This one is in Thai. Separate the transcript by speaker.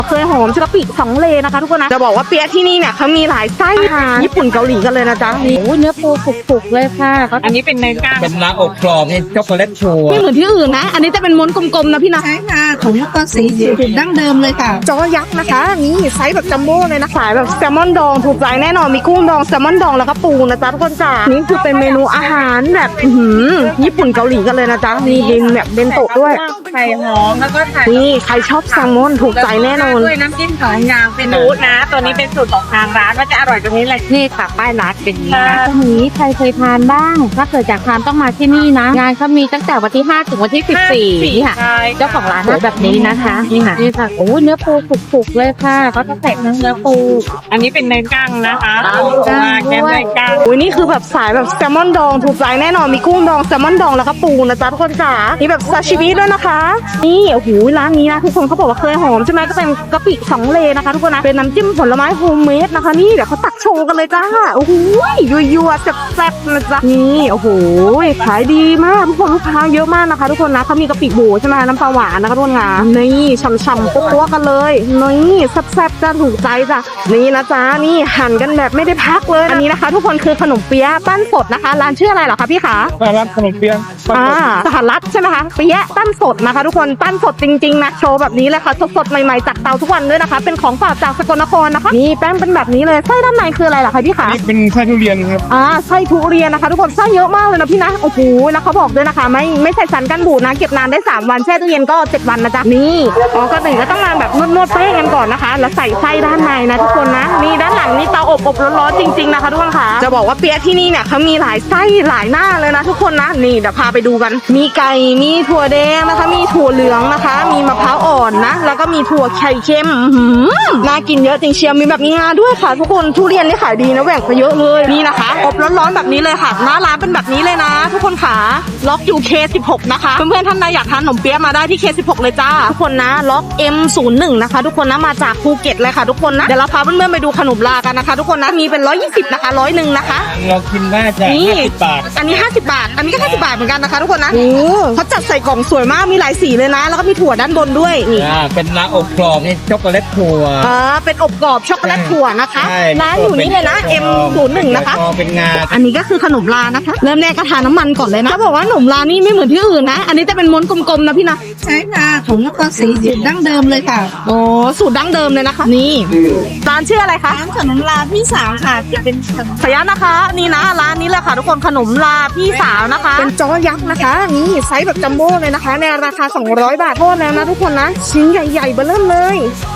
Speaker 1: เคยหอมกะปิ2เลนะคะทุกคนนะจะบอกว่าเปี๊ยะที่นี่เนี่ยเขามีหลายไส้อาหารญี่ปุ่นเกาหลีกันเลยนะจ๊ะนี่โอ้เนื้อปูฝุกๆเลยค่ะ
Speaker 2: อันนี้เป็นเนื้อย่าง
Speaker 3: เป็นลาอกกรอบนี่ช็อกโกแลตชัวร์
Speaker 1: ไม่เหมือนที่อื่นนะอันนี้จะเป็นม้วนกลมๆนะพี่นะ
Speaker 4: ใช่ค่ะของนครศรีสูตรดั้งเดิมเลยค่ะ
Speaker 1: จอยักษ์นะคะนี่ไซส์แบบจัมโบ้เลยนะขายแบบแซลมอนดองถูกใจแน่นอนมีกุ้งดองแซลมอนดองแล้วก็ปูนะจ๊ะทุกคนจ้านี่คือเป็นเมนูอาหารแบบญี่ปุ่นเกาหลีกันเลยนะจ๊ะมีแบบเบนโตะด้วย
Speaker 2: ไข่หอมแล้วก็ไข่
Speaker 1: นี่ใครชอบแซลมอนถูกใจแน่นอน
Speaker 2: ด้วยน้ำจิ้มของยางเป็นนูดนะ ตัวนี้เป็นสูตรของทางร้านว่าจะอร่อยตรงนี้เลยนี่ค่ะป้ายร้านเป็นนี้นะ
Speaker 5: ตรงนี้ใครเคยทานบ้างถ้าเกิดอยากทานต้องมาที่นี่นะงานเขามีตั้งแต่วันที่5ถึงวันที่14นี่ค่ะเจ้าของร้านสวยแบบนี้นะคะนี่ค่ะโอ้เนื้อปูฝุกๆเลยค่ะเขาจะใส่เนื้อปู
Speaker 2: อันนี้เป็นเนื้อย่างนะคะ
Speaker 5: แกงด้วย
Speaker 2: เนื้อย่าง
Speaker 1: อุ้ยนี่คือแบบสายแบบแซลมอนดองถูกใจแน่นอนมีกุ้งดองแซลมอนดองแล้วก็ปูนะจ๊ะทุกคนจ๋ามีแบบซาชิมิด้วยนะคะนี่โอ้โหร้านนี้นะทุกคนเขาบอกว่าเคยหอมใช่ไหมก็เป็นกะปิ2เลนะคะทุกคนนะเป็นน้ำจิ้มผลไม้โฮมเมดนะคะนี่เดี๋ยวเขาตักโชว์กันเลยจ้าโอ้โหยัวๆแซ่บๆนะจ๊ะนี่โอ้โหขายดีมากทุกคนลูกค้าเยอะมากนะคะทุกคนนะเขามีกะปิโบใช่ไหมน้ำปลาหวานนะคะทุกคนค่ะนี่ฉ่ำๆปั๊วๆกันเลยนี่แซ่บๆจ้าถูกใจจ้ะนี่นะจ๊ะนี่หั่นกันแบบไม่ได้พักเลยอันนี้นะคะ ทุกคนคือขนมเปี๊ยะปั้นสดนะคะร้านชื่ออะไรเหรอคะพี่ขา
Speaker 3: ร้านขนมเปี๊ยะ
Speaker 1: สหรัฐใช่ไหมคะเปี๊ยะปั้นสดนะคะทุกคนปั้นสดจริงๆนะโชว์แบบนี้เลยค่ะสดๆใหม่ๆจากเตาทุกวันด้วยนะคะเป็นของฝากจากสกลนครนะคะนี่แป้งเป็นแบบนี้เลยไส้ด้านในคืออะไรเหรอคะพี่ขา
Speaker 3: นี่เป็นไส้ทุเรียนครับ
Speaker 1: ไส้ทุเรียนนะคะทุกคนไส้เยอะมากเลยนะพี่นะโอ้โหแล้วเขาบอกด้วยนะคะไม่ใส่สารกันบูดนะเก็บนานได้3วันแช่ตู้เย็นก็7วันนะจ๊ะนี่ก็หนึ่งก็ต้องมาแบบนวดแป้งกันก่อนนะคะแล้วใส่ไส้ด้านในนะทุกคนนะนี่ด้านหลังนี่เตาอบร้อนๆจริงๆนะคะทุกคนค่ะจะบอกว่าเปี๊ยะที่นี่เนี่ยเขามีหลายไส้หลายหน้าเลยนะทุกคนนะนี่เดี๋ยวพาไปดูกันมีไก่มีถั่วแดงนะคะมีถั่วเหลืองนะคะมีมะพร้าวอ่อนนะแล้วก็มีถั่วไข่เค็มน่ากินเยอะจริงเชียวมีแบบมีงาด้วยค่ะทุกคนทุเรียนนี่ขายดีนะแหว่งไปเยอะเลยนี่นะคะอบร้อนๆแบบนี้เลยค่ะหน้าร้านเป็นแบบนี้เลยนะ ทุกคนค่ะล็อกอยู่ K16 นะคะเพื่อนๆท่านใดอยากทานขนมเปี๊ยะมาได้ที่ K16 เลยจ้าทุกคนนะล็อก M01 นะคะทุกคนนะมาจากภูเก็ตเลยค่ะทุกคนนะเดี๋ยวเราพาเพื่อนๆไปดูขนมลากันนะคะทุกคนนะมีเป็น120นะคะ101นะคะ
Speaker 3: เรากินได้จ้ะ50 บาท
Speaker 1: อันนี้50 บาทอันนี้ก็50 บาทเหมือนกันนะคะทุกคนนะเขาจัดใส่กล่องสวยมากมีหลายสีเลยนะแล้วก็มีถั่วด้านบนด้วยนี่
Speaker 3: เป็นลาอกกรอบนี่ช็อกโกแลตชัวร์
Speaker 1: เป็นอบกรอบช็อกโกแลตถั่วนะคะร้านอยู่นี่เลยนะ M01 นะคะ
Speaker 3: เป็นงา
Speaker 1: อันนี้ก็คือขนมลานะคะเริ่มแรกก็ทาน้ำมันก่อนเลยนะจะบอกว่าขนมลานี่ไม่เหมือนที่อื่นนะอันนี้จะเป็นม้วนกลมๆนะพี่นะ
Speaker 4: ใช่ค่ะของนครศรีสูตรดั้งเดิมเลยค่ะ
Speaker 1: โอ้สูตรดั้งเดิมเลยนะคะนี่ร้านชื่ออะไรคะ
Speaker 4: ร้านขนมลาพี่สาวค่ะจะเป็นขนม
Speaker 1: ขยะนะคะนี่นะร้านนี้แหละค่ะทุกคนขนมลาพี่สาวนะคะเป็นจอยักษ์นะคะนี่ไซส์แบบจัมโบ้เลยนะคะในราคา200 บาทโทษแล้วนะทุกคนนะชิ้นใหญ่ๆเบ้อเริ่มเลย